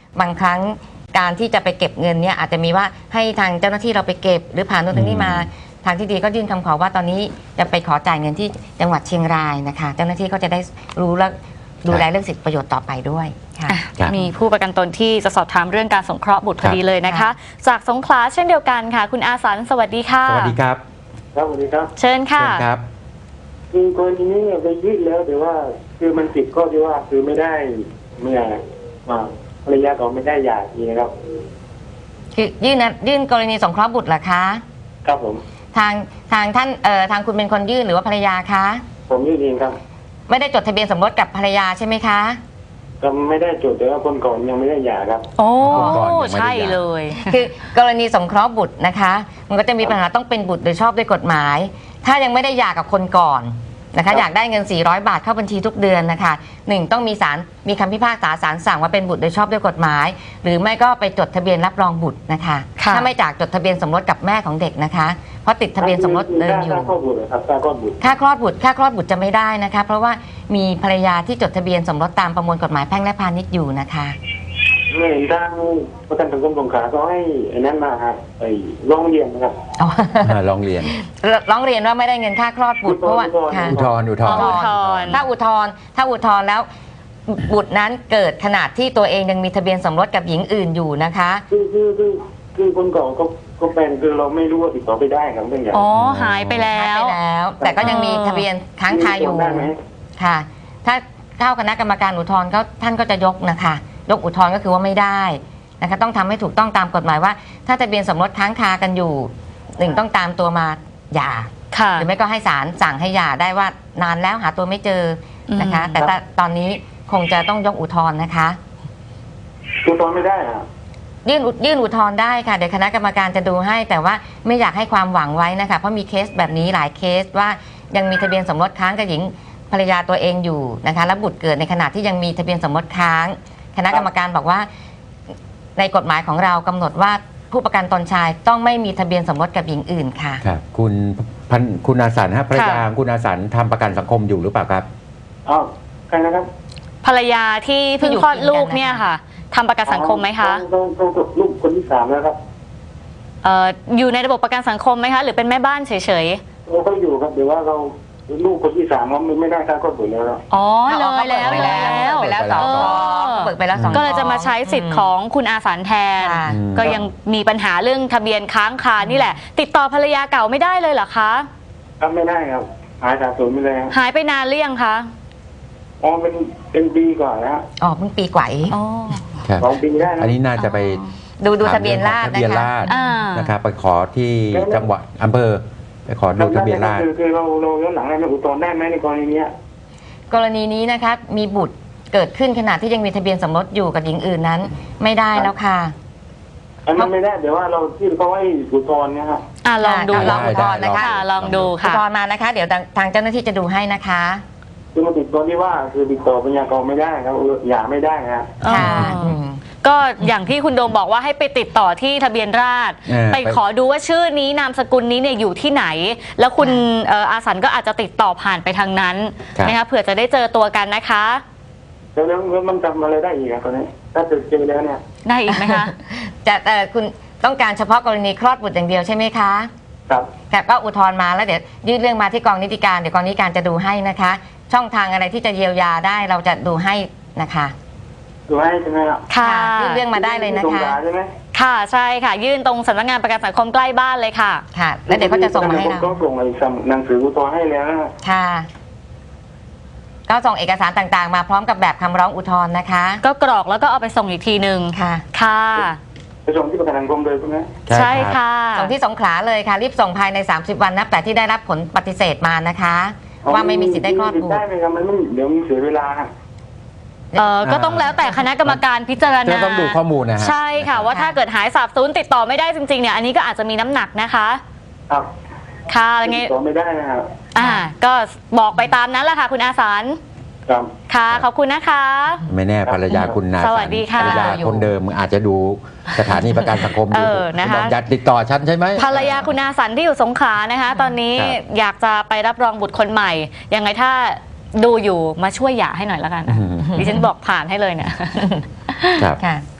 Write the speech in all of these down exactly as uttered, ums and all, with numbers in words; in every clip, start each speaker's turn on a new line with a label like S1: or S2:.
S1: บางครั้งการที่จะไปเก็บเงินเนี่ยอาจจะมีว่าให้ทางเจ้าหน้าที่เราไปเก็บหรือผ่านนู่นทางนี้มาทางที่ดีก็ยื่นคำขอว่าตอนนี้จะไปขอจ่ายเงินที่จังหวัดเชียงรายนะคะเจ้าหน้าที่ก็จะได้รู้และดูแลเรื่องสิทธิประโยชน์ต่อไปด้วยค่ะ
S2: มีผู้ประกันตนที่จะสอบถามเรื่องการสงเคราะห์บุตรพอดีเลยนะคะจากสงขลาเช่นเดียวกันค่ะคุณอาสันสวัสดีค่ะ
S3: สวัสดีครับ
S4: ครับสวัสดีครับ
S2: เชิญค่ะ
S3: ครับ
S4: คือกรณีนี้ไปยื่นแล้วแต่ว่าคือมันติดข้อที่ว่าคือไม่ได้เมื่อมาภรรยาก็ไม่ได้หย่าทีนะครับ
S1: คือยื่นนะยื่นกรณีสงเคราะห์บุตรเหรอคะ
S4: ครับผม
S1: ทางทางท่านเอ่อทางคุณเป็นคนยื่นหรือว่าภรรยาคะ
S4: ผมยื่นเองครับ
S1: ไม่ได้จดทะเบียนสมรสกับภรรยาใช่ไหมคะ
S4: ก็ไม่ได้จดแต่ว่าคนก่อนยังไม่ได้หย่าครับ
S2: โอ้ใช่เลย
S1: คือกรณีสงเคราะห์บุตรนะคะมันก็จะมีปัญหาต้องเป็นบุตรโดยชอบด้วยกฎหมายถ้ายังไม่ได้หย่ากับคนก่อนนะคะอยากได้เงินสี่ร้อยบาทเข้าบัญชีทุกเดือนนะคะหนึ่งต้องมีศาลมีคำพิพากษาศาลสั่งว่าเป็นบุตรโดยชอบด้วยกฎหมายหรือไม่ก็ไปจดทะเบียนรับรองบุตรนะคะถ้าไม่จากจดทะเบียนสมรสกับแม่ของเด็กนะคะเพราะติดทะเบียนสมรสเดิมอยู่
S4: ค่าคลอดบุตรครับค่าคลอดบุตร
S1: ค่าคลอดบุตรค่าคลอดบุตรจะไม่ได้นะคะเพราะว่ามีภรรยาที่จดทะเบียนสมรสตามประมวลกฎหมายแพ่งและพาณิชย์อยู่นะคะ
S4: เห็นทางประกันสังคมสงขลาก็ให้ไอ้นั้นมาครับไอ้ร้องเรียนนะครับ
S3: ร้องเรียน
S1: ร้องเรียนว่าไม่ได้เงินค่าคลอดบุตรเพราะว่า
S3: อุทธรณ์อุทธรณ์
S1: ถ้าอุทธรณ์ถ้าอุทธรณ์แล้วบุตรนั้นเกิดขนาดที่ตัวเองยังมีทะเบียนสมรสกับหญิงอื่นอยู่นะคะ
S4: คือคือคือคือคนก่อนก็ก็เป็นคือเราไม่รู้ว่าติดต่อไปได้ครับเรื่องอย่าง
S2: อ๋อหายไปแล้ว
S1: หายไปแล้วแต่ก็ยังมีทะเบียนค้างคาอยู่ค่ะถ้าเข้าคณะกรรมการอุทธรณ์ก็ท่านก็จะยกนะคะยกอุทธรณ์ก็คือว่าไม่ได้นะคะต้องทำให้ถูกต้องตามกฎหมายว่าถ้าทะเบียนสมรสค้างคากันอยู่หนึ่งต้องตามตัวมาหย่าหรือไม่ก็ให้ศาลสั่งให้หย่าได้ว่านานแล้วหาตัวไม่เจอนะคะแต่ตอนนี้คงจะต้องยกอุทธรณ์นะคะ
S4: อุทธรณ์ไม่ได้อะ
S1: ยื่นยื่นอุทธรณ์ได้ค่ะเดี๋ยวคณะกรรมการจะดูให้แต่ว่าไม่อยากให้ความหวังไว้นะคะเพราะมีเคสแบบนี้หลายเคสว่ายังมีทะเบียนสมรสค้างกับหญิงภรรยาตัวเองอยู่นะคะแล้วบุตรเกิดในขณะที่ยังมีทะเบียนสมรสค้างคณะกรรมการบอกว่าในกฎหมายของเรากำหนดว่าผู้ประกันตนชายต้องไม่มีทะเบียนสมรสกับหญิงอื่นค่ะ
S3: ครับคุณพันคุณอาสันฮะภรรยาคุณอาสันทำประกันสังคมอยู่หรือเปล่าครับ
S4: อ๋อใครนะครับ
S2: ภรรยาที่เพิ่งคลอดลูกเนี่ยค่ะทำประกันสังคมไหมคะ
S4: ต้องต้องลูกคนที่สามแล้วครับ
S2: เอ่ออยู่ในระบบประกันสังคมไหมคะหรือเป็นแม่บ้านเฉย
S4: ๆเราก็อยู่ครับเดี๋ยวว่าเราลูกคนที่สามเราไม่ได้ค่าคลอดบุตรแล้ว
S2: อ๋อเลยแล้วแล้ว
S1: ไปแล้วสองเบิกไปแล้วสอง
S2: ก็เลยจะมาใช้สิทธิ์ของคุณอาสันแทนก็ยังมีปัญหาเรื่องทะเบียนค้างคานี่แหละติดต่อภรรยาเก่าไม่ได้เลยเหรอคะ
S4: ครับไม่ได้ครับหายจากศูนย์ไปเลย
S2: หายไปนานหรือยังคะ
S4: อ๋อเป็นเป็นปีกว่าแล้ว
S1: อ๋อเพิ่งปีกว่า
S2: อ๋อ
S4: สองปีได้
S3: อันนี้น่าจะไป
S1: ดูดูทะเบียนราษฎร์
S3: นะคะนะครับไปขอที่จังหวัดอำเภอไปขอดูทะเบียนราษฎร์
S4: คือเราเราย้อนหลังได้ไหมอุทธรณ์ได้ไหมในกรณีนี้
S1: กรณีนี้นะคะมีบุตรเกิดขึ้นขณะที่ยังมีทะเบียนสมรสอยู่กับหญิงอื่นนั้นไม่ได้แล้วค่ะ
S4: อันนั้นไม่ได้เดี๋ยวว่าเราที่เขาให้อุทธรณ์เนี่ยครับ
S2: อ่าลองดู
S1: ลองอุทธรณ์นะคะ
S2: ลองดูค่ะ
S1: อุทธรณ์มานะคะเดี๋ยวทางเจ้าหน้าที่จะดูให้นะคะ
S4: คือมาติดตัวที่ว่าคือติดต่อปัญญากรไม่ได้ครับหย่าไม่ได้นะ
S1: ค่ะ
S2: ก็อย่างที่คุณโดมบอกว่าให้ไปติดต่อที่ทะเบียนราษฎร์ไปขอดูว่าชื่อนี้นามสกุลนี้เนี่ยอยู่ที่ไหนแล้วคุณอาสันก็อาจจะติดต่อผ่านไปทางนั้นนะคะเผื่อจะได้เจอตัวกันนะคะ
S4: แล้วแล้วมันจำอะไรได้อีกอะตอนนี้ถ้าเจอเจอแล้วเนี่ย
S2: ได้อีกไหมคะ
S1: จะแต่คุณต้องการเฉพาะกรณีคลอดบุตรอย่างเดียวใช่ไหมคะ
S4: ครับ
S1: แต่ก็อุทธรณ์มาแล้วเดี๋ยวยื่นเรื่องมาที่กองนิติการเดี๋ยวกองนิติการจะดูให้นะคะช่องทางอะไรที่จะเยียวยาได้เราจะดูให้นะคะ
S4: ดูให้ใช่ไหมครับ
S1: ค่ะยื่นเรื่องมาได้เลยนะคะ
S4: ใช่ไหม
S2: ค่ะใช่ค่ะยื่นตรงสำนักงานประกันสังคมใกล้บ้านเลยค่ะ
S1: ค่ะแล้วเดี๋ยวเขาจะส่งมาให้เรา
S4: ก็ส่งหนังสืออุทธรณ์ให้แล้ว
S1: ค่ะก็ส่งเอกสารต่างๆมาพร้อมกับแบบคำร้องอุทธรณ์นะคะ
S2: ก็กรอกแล้วก็เอาไปส่งอีกทีหนึ่ง
S1: ค่ะ
S2: ค่ะ
S4: ไปส่งที่ประกันสังคมเลยใช่ไหม
S2: ใช่ค่ะ
S1: ส่งที่สงขลาเลยค่ะรีบส่งภายในสามสิบวันนับแต่ที่ได้รับผลปฏิเสธมานะคะว่าไม่มีสิทธิ์ได้คลอดบุตร
S4: ได้ไหมครับมันไม่เดี๋ยวมีเสียเวลา
S2: เออก็ต้องแล้วแต่คณะกรรมการพิจารณา
S3: ต้องดูข้อมูลนะ
S2: ใช่ค่ะว่าถ้าเกิดหายสาบสูญติดต่อไม่ได้จริงๆเนี่ยอันนี้ก็อาจจะมีน้ำหนักนะคะ
S4: ครับ
S2: ค่ะอะไรเงี้
S4: ยติดต่อไม่ได้นะครับ
S2: อ่าก็บอกไปตามนั้นแหละค่ะคุณอาสันค่ะขอบคุณนะคะ
S3: ไม่แน่ภรรยาคุณนา
S2: สวัสดีค่ะ
S3: ภรรยาคนเดิมอาจจะดูสถานีประกันสังคมอยู่
S2: นะคะ
S3: อยากติดต่อฉันใช่ไหม
S2: ภรรยาคุณอาสันที่อยู่สงขลานะคะตอนนี้อยากจะไปรับรองบุตรคนใหม่ยังไงถ้าดูอยู่มาช่วยหย่าให้หน่อยแล้วกันดิฉันบอกผ่านให้เลยเนี่ย
S1: ค่ะ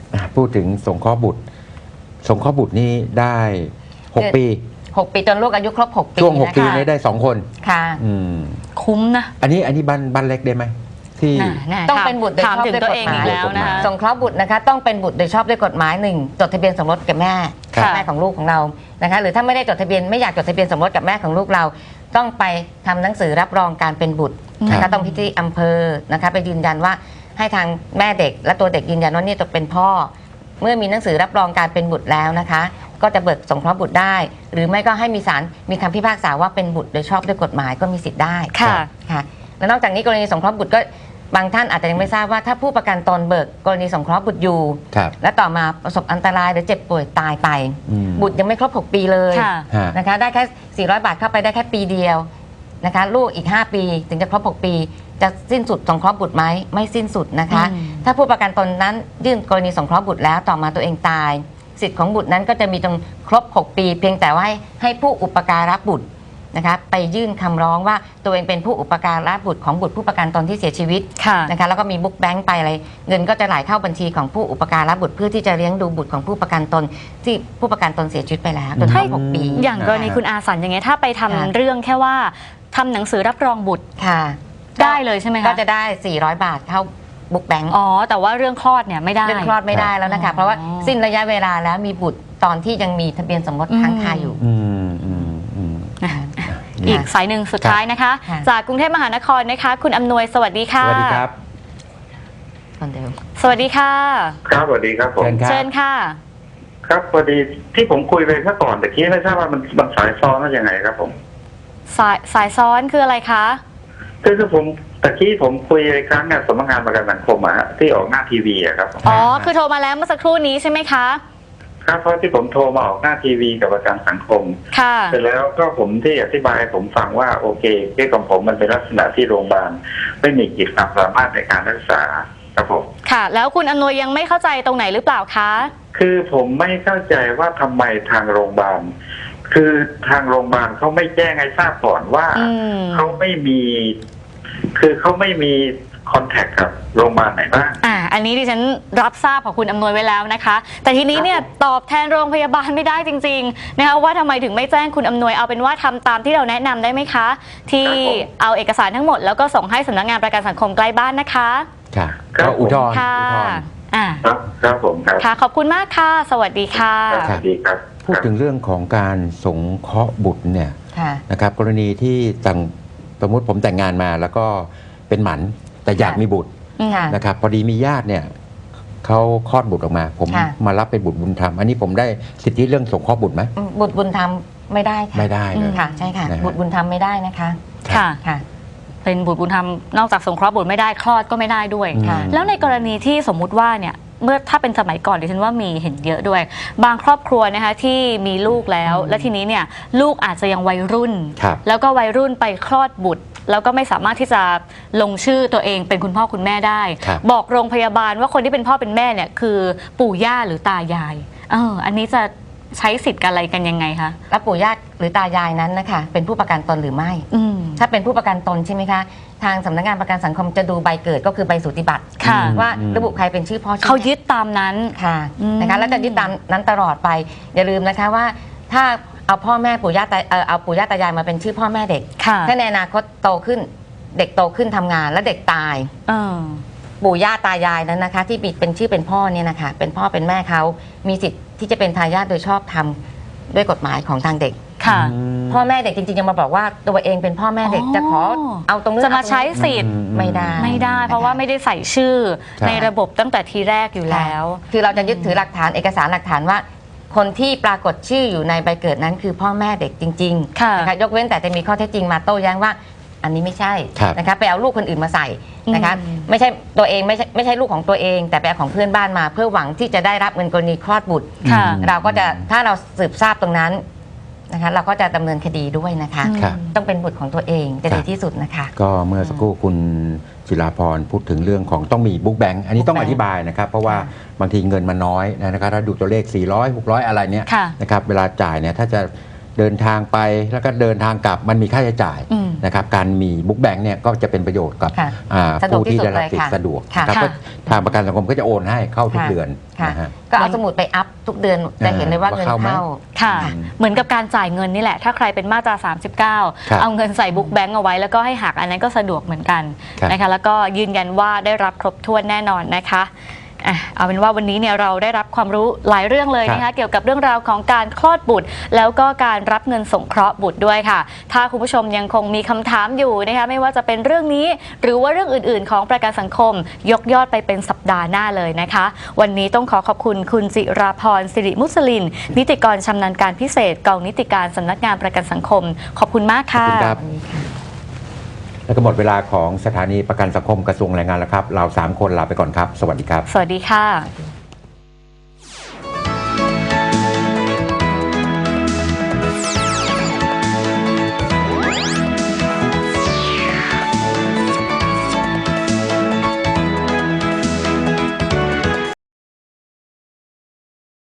S3: อ่ะพูดถึงสงเคราะห์บุตร สงเคราะห์บุตรนี่ได้หกปี
S1: หกปีจนลูกอายุครบหกปี
S3: ช่วงหก
S1: นะ
S3: ปี
S1: คะ
S3: นี้ได้สองคน
S1: ค่ะ
S3: อืม
S2: คุ้มนะ
S3: อันนี้อันนี้บ้านบ้านเล็กได้ไหมที่
S2: น่ะน่ะ
S1: ต้อง
S2: ถาม
S1: เป็นบุตรโดย
S2: ถาม
S1: ชอบ
S2: ถึง
S1: ด้วย
S2: ตัว
S1: ก
S2: เอ
S1: ฎ
S2: ง
S1: ห
S2: อี
S1: มาย
S2: กแล้วนะคะ
S1: สงเคราะห์บุตรนะคะต้องเป็นบุตรโดยชอบด้วยกฎหมายหนึ่งจดทะเบียนสมรสกับแม่
S2: ค่ะ
S1: แม่ของลูกของเรานะคะหรือถ้าไม่ได้จดทะเบียนไม่อยากจดทะเบียนสมรสกับแม่ของลูกเรา ต้องไปทำหนังสือรับรองการเป็นบุตรนะ
S3: ครั
S1: คะ
S3: บ
S1: ต้องพิธีอำเภอนะคะไปยืนยันว่าให้ทางแม่เด็ก และตัวเด็กยืนยันว่านี่จะเป็นพ่อ เมื่อมีหนังสือรับรองการเป็นบุตรแล้วนะคะ ก็จะเบิกสงเคราะห์บุตรได้ หรือไม่ก็ให้มีศาลมีคำพิพากษาว่าเป็นบุตรโดยชอบด้วยกฎหมายก็มีสิทธิ์ได้
S2: ค่ะ
S1: ค่ะและนอกจากนี้กรณีสงเคราะห์บุตรก็บางท่านอาจจะยังไม่ทราบว่าถ้าผู้ประกันตนเบิกกรณีสงเคราะห์บุตรอยู่
S3: ครับ
S1: และต่อมาประสบอันตรายหรือเจ็บป่วยตายไป
S3: อืม
S1: บุตรยังไม่ครบหกปีเลย
S2: ค่ะ
S3: ฮะ
S1: นะคะได้แค่สี่ร้อยบาทเข้าไปได้แค่ปีเดียวนะคะลูกอีกห้าปีถึงจะครบหกปี จะสิ้นสุดสงเคราะห์บุตรไหมไม่สิ้นสุดนะคะ
S2: อืม
S1: ถ้าผู้ประกันตนนั้นยื่นกรณีสงเคราะห์บุตรแล้วต่อมาตัวเองตาย สิทธิ์ของบุตรนั้นก็จะมีจนครบหกปี เพียงแต่ว่าให้ให้ผู้อุปการะบุตรนะคะไปยื่นคำร้องว่าตัวเองเป็นผู้อุปการะบุตรของบุตรผู้ประกันตนที่เสียชีวิต
S2: ค่ะ
S1: นะคะแล้วก็มีบุ๊กแบงค์ไปอะไรเงินก็จะไหลเข้าบัญชีของผู้อุปการะบุตรเพื่อที่จะเลี้ยงดูบุตรของผู้ประกันตนที่ผู้ประกันตนเสียชีวิตไปแล้วจนครบหกปี
S2: อย่างกรณีคุณอาสันอย่างเงี้ยถ้าไปทำ
S1: ค่ะ
S2: เรื่องแค่ว่าทำหนังสือรับรองบุตร
S1: ค่ะ
S2: ได้เลยใช่ไหมคะ
S1: ก็จะได้ สี่ร้อย บาทเข้าบุ๊กแบงค์
S2: อ๋อแต่ว่าเรื่องคลอดเนี่ยไม่ได้
S1: เรื่องคลอดไม่ได้แล้วนะ
S2: อ๋
S1: คะ
S2: อ
S1: เพราะว่าสิ้นระยะเวลาแล้วมีบุตรตอนที่ยังมีทะเบียนสมรสค้างคาอยู่
S3: อืมอืมอืม
S2: อ่ะอีกสายหนึ่งสุดท้ายนะคะ
S1: ค่ะ
S2: จากกรุงเทพมหานครนะคะ คุณอำนวยสวัสดีค่ะ
S3: สวัสดีครับ
S1: คนเดิม
S2: สวัสดีค่ะ
S4: ครับสวัสดีครับผม
S3: เชิญ
S2: เชิญค่ะ
S4: ครับพอดีที่ผมคุยไปเมื่อก่อนแต่กี้ไม่ทราบว่ามันมันสายซ้อนว่ายังไงครับผม
S2: สายสายซ้อนคืออะไรคะ
S4: คือคือผมตะกี้ผมคุยในครั้งงานสำนักงานประกันสังคมอะฮะที่ออกหน้าทีวีอะครับ
S2: อ๋อคือโทรมาแล้วเมื่อสักครู่นี้ใช่ไหมคะ
S4: ครับเพราะที่ผมโทรมาออกหน้าทีวีกับประกันสังคม
S2: ค่ะ
S4: เสร็จแล้วก็ผมที่อธิบายให้ผมฟังว่าโอเคเคสของผมมันเป็นลักษณะที่โรงพยาบาลไม่มีกิจความสามารถในการรักษาครับผม
S2: ค่ะ แล้วคุณอำนวยยังไม่เข้าใจตรงไหนหรือเปล่าคะ
S4: คือผมไม่เข้าใจว่าทำไมทางโรงพยาบาลคือทางโรงพยาบาลเขาไม่แจ้งให้ทราบก่อนว่า
S2: อืม
S4: เขาไม่มี คือเขาไม่มีคอนแทคกับโรงพยาบาลไหนบ้าง
S2: อ่า อันนี้ดิฉันรับทราบของคุณอำนวยไว้แล้วนะคะ แต่ทีนี้เนี่ยตอบแทนโรงพยาบาลไม่ได้จริงๆนะคะว่าทำไมถึงไม่แจ้งคุณอำนวยเอาเป็นว่าทำตามที่เราแนะนำได้ไหมคะ ที่
S4: ครับผม
S2: เอาเอกสารทั้งหมดแล้วก็ส่งให้สำนักงานประกันสังคมใกล้บ้านนะคะ
S3: ค่ะ
S4: ครับ
S3: ก็อุทธรณ์
S2: ค่ะ
S3: อุทธรณ์
S2: อ่า
S4: ครับครับผมครับ
S2: ค่ะ ขอบคุณมากค่ะ สวัสดีค่ะ
S4: ครับสวัสดีครับ
S3: พูดถึงเรื่องของการสงเคราะห์บุตรเนี่ย
S1: ค่ะ
S3: นะครับกรณีที่ต่างสมมติผมแต่งงานมาแล้วก็เป็นหมันแต่อยาก
S1: ค่ะ
S3: มีบุตร
S1: ค่ะ
S3: นะครับพอดีมีญาติเนี่ยเขาคลอดบุตรออกมา ผม
S1: ค่ะ
S3: มารับเป็นบุตรบุญธรรมอันนี้ผมได้สิทธิเรื่องสงเคราะห์บุตรไหม
S1: บุตรบุญธรรมไม่ได้ค่ะ
S3: ไม่ได้เลย
S1: ค่ะใช่ค่ะ
S3: นะฮะ
S1: บุตรบุญธรรมไม่ได้นะคะ
S2: ค่ะ
S1: ค่ะ
S2: เป็นบุตรบุญธรรมนอกจากสงเคราะห์บุตรไม่ได้คลอดก็ไม่ได้ด้วย
S3: อืม
S1: ค่ะ
S2: แล้วในกรณีที่สมมุติว่าเนี่ยเมื่อถ้าเป็นสมัยก่อนดิฉันว่ามีเห็นเยอะด้วย บางครอบครัวนะคะที่มีลูกแล้ว และทีนี้เนี่ยลูกอาจจะยังวัยรุ่น
S3: ครับ
S2: แล้วก็วัยรุ่นไปคลอดบุตร แล้วก็ไม่สามารถที่จะลงชื่อตัวเองเป็นคุณพ่อคุณแม่ได้
S3: ครับ
S2: บอกโรงพยาบาลว่าคนที่เป็นพ่อเป็นแม่เนี่ยคือปู่ย่าหรือตายายเอออันนี้จะใช้สิทธิ์กันอะไรกันยังไงคะ
S1: แล้วปู่ย่าหรือตายายนั้นนะคะเป็นผู้ประกันตนหรือไม่
S2: อืม
S1: ถ้าเป็นผู้ประกันตนใช่ไหมคะทางสำนักงานประกันสังคมจะดูใบเกิดก็คือใบสูติบัตร
S2: ค่ะ
S1: ว่า
S3: อืม
S1: ระบุใครเป็นชื่อพ่อชื่อ
S2: เขา
S1: แม่
S2: ยึดตามนั้น
S1: ค่ะ
S2: อืม
S1: นะคะแล้วจะยึดตามนั้นตลอดไป อย่าลืมนะคะว่าถ้าเอาพ่อแม่ปู่ย่าตาเอ่อเอาปู่ย่าตายายมาเป็นชื่อพ่อแม่เด็ก
S2: ค่ะ
S1: ถ้าในอนาคตโตขึ้นเด็กโตขึ้นทำงานแล้วเด็กตาย
S2: เออ
S1: ปู่ย่าตายายนั้นนะคะ ที่มีเป็นชื่อเป็นพ่อเนี่ยนะคะเป็นพ่อเป็นแม่เขามีสิทธิ์ที่จะเป็นทายาทโดยชอบธรรมด้วยกฎหมายของทางเด็ก
S2: ค่ะ
S3: อืม
S1: พ่อแม่เด็กจริงๆยังมาบอกว่าตัวเองเป็นพ่อแม่เด็ก
S2: อ๋อ
S1: จะขอเอาตรงนี้
S2: จะมาใช้สิทธิ์
S1: ไม่ได้
S2: ไม่ได้ เพราะว่าไม่ได้ใส่ชื่อ
S3: ใช่
S2: ในระบบตั้งแต่ทีแรกอยู่แล้ว
S1: คือเราจะยึดถือหลักฐานเอกสารหลักฐานว่า คนที่ปรากฏชื่ออยู่ในใบเกิดนั้นคือพ่อแม่เด็กจริง
S2: ค่ะ
S1: ๆนะคะยกเว้นแต่จะมีข้อเท็จจริงมาโต้แย้งว่า อันนี้ไม่ใช่
S3: ครับ
S1: นะคะไปเอาลูกคนอื่นมาใส่นะคะ
S2: อืม
S1: ไม่ใช่ตัวเองไม่ใช่ไม่ใช่ลูกของตัวเอง แต่ไปเอาของเพื่อนบ้านมา เพื่อหวังที่จะได้รับเงินกรณีคลอดบุตร
S2: ค่ะ
S1: เราก็จะถ้าเราสืบทราบตรงนั้นนะคะเราก็จะดำเนินคดีด้วยนะคะ
S3: ครับ
S1: ต้องเป็นบุตรของตัวเองจะ
S3: ครั
S1: ดี
S3: บ
S1: ที่สุดนะคะ
S3: ก็เมื่อสักครู่คุณจิราพรพูดถึงเรื่องของต้องมีบุ๊กแบงค์อันนี้ต้อง
S1: Book
S3: อ
S1: Bank
S3: ธิบายนะครับ เพราะว่า
S1: ค่ะ
S3: บางทีเงินมันน้อยนะครับถ้าดูตัวเลข สี่ร้อย หกร้อย อะไรเนี้ย
S2: ค่ะ
S3: นะครับเวลาจ่ายเนี่ยถ้าจะเดินทางไปแล้วก็เดินทางกลับมันมีค่าใช้จ่าย
S2: อืม
S3: นะครับการมีบุ๊กแบงค์เนี่ยก็จะเป็นประโยชน์กับ
S1: ค่ะ
S3: อ่า
S1: สะดวก
S3: ผู้ที่
S1: ที่สุด
S3: ได้รับสิท
S1: เลย
S3: ธิ์
S1: ค่ะ
S3: สะดวก
S1: ค่ะ
S3: นะครับ
S2: ค่ะ
S3: ก็ทางประกันสังคมก็จะโอนให้เข้าทุก
S1: ค่ะ
S3: เดือน
S1: ค่ะ
S3: นะฮะ
S1: ก็เอาสมุดไปอัพทุกเดือนจะเห็นเลยว่า
S3: ว่า
S1: เงิน
S3: เข้าไหม
S1: เข้า
S2: ค่ะ
S3: อืม
S2: เหมือนกับการจ่ายเงินนี่แหละ ถ้าใครเป็นมาตรา สามสิบเก้า
S3: ครับ
S2: เอาเงินใส่บุ๊กแบงก์เอาไว้แล้วก็ให้หักอันนั้นก็สะดวกเหมือนกัน
S3: ครับ
S2: นะคะแล้วก็ยืนยันว่าได้รับครบถ้วนแน่นอนนะคะอ่ะเอาเป็นว่าวันนี้เนี่ยเราได้รับความรู้หลายเรื่องเลยนะคะเกี่ยวกับเรื่องราวของการคลอดบุตร แล้วก็การรับเงินสงเคราะห์บุตรด้วยค่ะ ถ้าคุณผู้ชมยังคงมีคำถามอยู่นะคะไม่ว่าจะเป็นเรื่องนี้ หรือว่าเรื่องอื่น ๆ ของประกันสังคม ยกยอดไปเป็นสัปดาห์หน้าเลยนะคะ วันนี้ต้องขอขอบคุณคุณจิราพรสิริมุสลิน นิติกรชำนาญการพิเศษกองนิติการสำนักงานประกันสังคม ขอบคุณมากค่ะ
S3: ขอบคุณครับ แล้วก็หมดเวลาของสถานีประกันสังคมกระทรวงแรงงานแล้วครับ เราสามคนลาไปก่อนครับ สวัสดีครับ
S2: สวัสดีค่ะ